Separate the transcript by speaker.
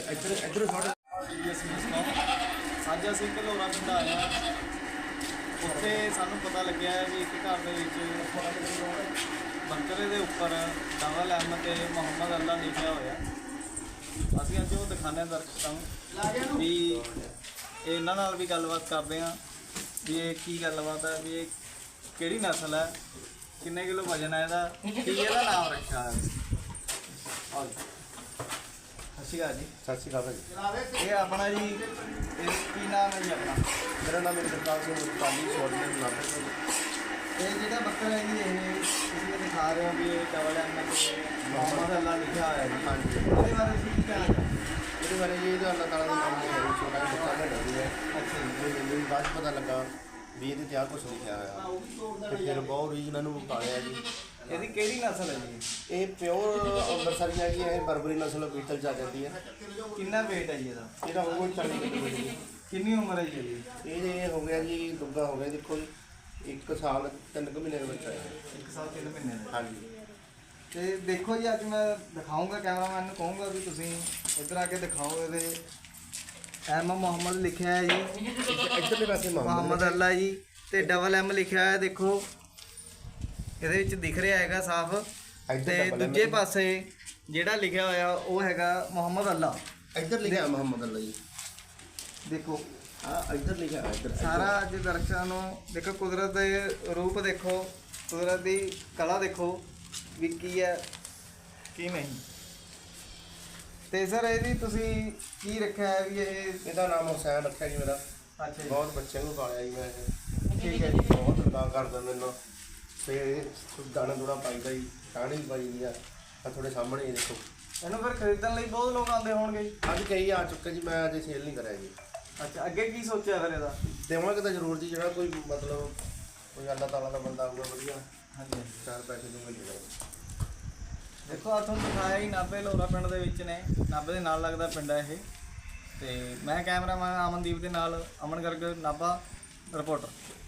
Speaker 1: ਇੱਧਰ ਛੋਟੇ
Speaker 2: ਅੱਜ ਅਸੀਂ ਘਲੋਰਾ ਪਿੰਡ ਆਏ ਹਾਂ। ਉੱਥੇ ਸਾਨੂੰ ਪਤਾ ਲੱਗਿਆ ਵੀ ਇੱਕ ਘਰ ਦੇ ਵਿੱਚ ਬੰਕਰੇ ਦੇ ਉੱਪਰ ਡਬਲ ਐਮ ਤੇ ਮੁਹੰਮਦ ਅੱਲਾ ਲਿਖਿਆ ਹੋਇਆ। ਅਸੀਂ ਅੱਜ ਉਹ ਦਿਖਾਉਂਦੇ ਹਾਂ ਦਰਸ਼ਕਾਂ ਨੂੰ ਵੀ ਇਹਨਾਂ ਨਾਲ ਵੀ ਗੱਲਬਾਤ ਕਰਦੇ ਹਾਂ ਵੀ ਇਹ ਕੀ ਗੱਲਬਾਤ ਹੈ, ਵੀ ਇਹ ਕਿਹੜੀ ਨਸਲ ਹੈ, ਕਿੰਨੇ ਕਿਲੋ ਵਜਨ ਹੈ ਇਹਦਾ, ਕੀ ਇਹਦਾ ਨਾਮ ਰੱਖਿਆ ਹੈ। ਸਤਿ ਸ਼੍ਰੀ ਅਕਾਲ ਜੀ।
Speaker 1: ਸਤਿ ਸ਼੍ਰੀ ਅਕਾਲ ਭਾਜੀ।
Speaker 2: ਇਹ ਆਪਣਾ ਜੀ ਇਹ ਕੀ ਨਾਮ ਹੈ ਜੀ ਆਪਣਾ?
Speaker 1: ਮੇਰਾ ਨਾਮ ਇੰਦਰਪਾਲ ਸਿੰਘ ਪਾਲੀ ਛੋੜਨੇ ਨਾਮ ਹੈ।
Speaker 2: ਇਹ ਜਿਹੜਾ ਬੱਕਰਾ ਹੈ ਜੀ ਇਹ ਤੁਸੀਂ ਇਹ ਦਿਖਾ ਰਹੇ ਹੋ ਵੀ ਇਹ ਡਬਲ ਐਮ ਤੇ ਮੁਹੰਮਦ ਅੱਲਾ ਲਿਖਿਆ ਹੋਇਆ ਜੀ।
Speaker 1: ਹਾਂਜੀ।
Speaker 2: ਇਹਦੇ ਬਾਰੇ ਤੁਸੀਂ ਕੀ ਕਹਿਣਾ ਚਾਹੁੰਦੇ?
Speaker 1: ਇਹਦੇ ਬਾਰੇ ਜੀ ਇਹਦਾ ਅੱਲਾਹ ਤਾਲਾ ਦਾ ਨਾਮ ਲਿਖਿਆ ਜੀ, ਛੋਟਾ ਜਿਹਾ ਬੱਚਾ ਲੈਣਾ ਹੈ।
Speaker 2: ਅੱਛਾ ਜੀ।
Speaker 1: ਮੈਨੂੰ ਵੀ ਬਾਅਦ 'ਚ ਪਤਾ ਲੱਗਾ ਵੀ ਇਹਦੇ ਤੇ ਆਹ ਕੁਛ ਲਿਖਿਆ ਹੋਇਆ ਤੇ ਫਿਰ ਬਹੁਤ ਰੀਜਨਾਂ ਨੂੰ ਪਾਲਿਆ ਜੀ।
Speaker 2: ਇਹਦੀ ਕਿਹੜੀ ਨਸਲ ਹੈ ਜੀ?
Speaker 1: ਇਹ ਪਿਓਰ ਅੰਮ੍ਰਿਤਸਰੀ ਹੈ ਜੀ, ਇਹ ਬਰਬਰੀ ਨਸਲ ਬੀਟਲ 'ਚ ਆ ਜਾਂਦੀ ਹੈ।
Speaker 2: ਕਿੰਨਾ weight ਹੈ ਜੀ ਇਹਦਾ?
Speaker 1: ਇਹਦਾ ਹੋਊਗਾ 40 ਕਿਲੋ ਜੀ।
Speaker 2: ਕਿੰਨੀ ਉਮਰ ਹੈ ਜੀ ਇਹਦੀ?
Speaker 1: ਇਹ ਹੋ ਗਿਆ ਜੀ ਦੁੱਗਾ ਹੋ ਗਿਆ, ਦੇਖੋ ਜੀ 1 ਸਾਲ 3 ਮਹੀਨੇ ਦਾ ਬੱਚਾ ਹੈ।
Speaker 2: 1 ਸਾਲ 3 ਮਹੀਨੇ ਦਾ।
Speaker 1: ਹਾਂਜੀ।
Speaker 2: ਤੇ ਦੇਖੋ ਜੀ ਅੱਜ ਮੈਂ ਦਿਖਾਊਂਗਾ, ਕੈਮਰਾਮੈਨ ਨੂੰ ਕਹੂੰਗਾ ਵੀ ਤੁਸੀਂ ਇੱਧਰ ਆ ਕੇ ਦਿਖਾਓ। ਇਹਦੇ ਐਮ ਮੁਹੰਮਦ ਲਿਖਿਆ ਹੈ ਜੀ,
Speaker 1: ਇੱਧਰਲੇ ਪਾਸੇ
Speaker 2: ਮੁਹੰਮਦ ਅੱਲਾ ਜੀ, ਤੇ ਡਬਲ ਐਮ ਲਿਖਿਆ ਹੈ। ਦੇਖੋ ਇਹਦੇ ਵਿੱਚ ਦਿਖ ਰਿਹਾ ਹੈਗਾ ਸਾਫ਼। ਤੇ ਦੂਜੇ ਪਾਸੇ ਜਿਹੜਾ ਲਿਖਿਆ ਹੋਇਆ ਉਹ ਹੈਗਾ ਮੁਹੰਮਦ ਅੱਲਾ।
Speaker 1: ਇੱਧਰ ਲਿਖਿਆ ਮੁਹੰਮਦ ਅੱਲਾ ਜੀ।
Speaker 2: ਦੇਖੋ
Speaker 1: ਇੱਧਰ ਲਿਖਿਆ ਇੱਧਰ
Speaker 2: ਸਾਰਾ ਅੱਜ ਦਰਸ਼ਕਾਂ ਨੂੰ ਦੇਖੋ, ਕੁਦਰਤ ਦੇ ਰੂਪ ਦੇਖੋ, ਕੁਦਰਤ ਦੀ ਕਲਾ ਦੇਖੋ ਵੀ ਕੀ ਹੈ ਕੀ ਨਹੀਂ। ਤੇ ਸਰ ਇਹਦੀ ਤੁਸੀਂ ਕੀ ਰੱਖਿਆ ਹੈ ਵੀ ਇਹ?
Speaker 1: ਇਹਦਾ ਨਾਮ ਹੁਸੈਨ ਰੱਖਿਆ ਜੀ ਮੇਰਾ।
Speaker 2: ਅੱਛਾ ਜੀ।
Speaker 1: ਬਹੁਤ ਬੱਚਿਆਂ ਨੂੰ ਪਾਲਿਆ ਜੀ ਮੈਂ ਇਹ।
Speaker 2: ਠੀਕ ਹੈ ਜੀ।
Speaker 1: ਬਹੁਤ ਅਦਾ ਕਰਦਾ ਮੈਨੂੰ। ਤੇ ਦਾਣਾ ਦੂਣਾ ਪਾਈਦਾ ਜੀ, ਟਾਹਣੀ ਪਾਈ ਦੀ ਆ ਤੁਹਾਡੇ ਸਾਹਮਣੇ ਹੀ ਦੇਖੋ।
Speaker 2: ਇਹਨੂੰ ਫਿਰ ਖਰੀਦਣ ਲਈ ਬਹੁਤ ਲੋਕ ਆਉਂਦੇ ਹੋਣਗੇ ਜੀ?
Speaker 1: ਅੱਜ ਕਈ ਆ ਚੁੱਕੇ ਜੀ, ਮੈਂ ਅਜੇ ਸੇਲ ਨਹੀਂ ਕਰਿਆ ਜੀ।
Speaker 2: ਅੱਛਾ, ਅੱਗੇ ਕੀ ਸੋਚਿਆ ਫਿਰ ਇਹਦਾ?
Speaker 1: ਦੇਵਾਂਗੇ ਤਾਂ ਜ਼ਰੂਰ ਜੀ, ਜਿਹੜਾ ਕੋਈ ਮਤਲਬ ਕੋਈ ਅੱਲਾਹ ਤਾਲਾ ਦਾ ਬੰਦਾ ਆਊਗਾ ਵਧੀਆ,
Speaker 2: ਹਾਂਜੀ।
Speaker 1: 4 ਪੈਸੇ ਦੂੰਗਾ ਜੀ।
Speaker 2: ਦੇਖੋ ਆ ਤੁਹਾਨੂੰ ਦਿਖਾਇਆ ਹੀ ਨਾਭੇ ਲੋਰਾ ਪਿੰਡ ਦੇ ਵਿੱਚ ਨੇ, ਨਾਭੇ ਦੇ ਨਾਲ ਲੱਗਦਾ ਪਿੰਡ ਹੈ ਇਹ। ਤੇ ਮੈਂ ਕੈਮਰਾਮੈਨ ਅਮਨਦੀਪ ਦੇ ਨਾਲ, ਅਮਨ ਗਰਗ, ਨਾਭਾ ਰਿਪੋਰਟਰ।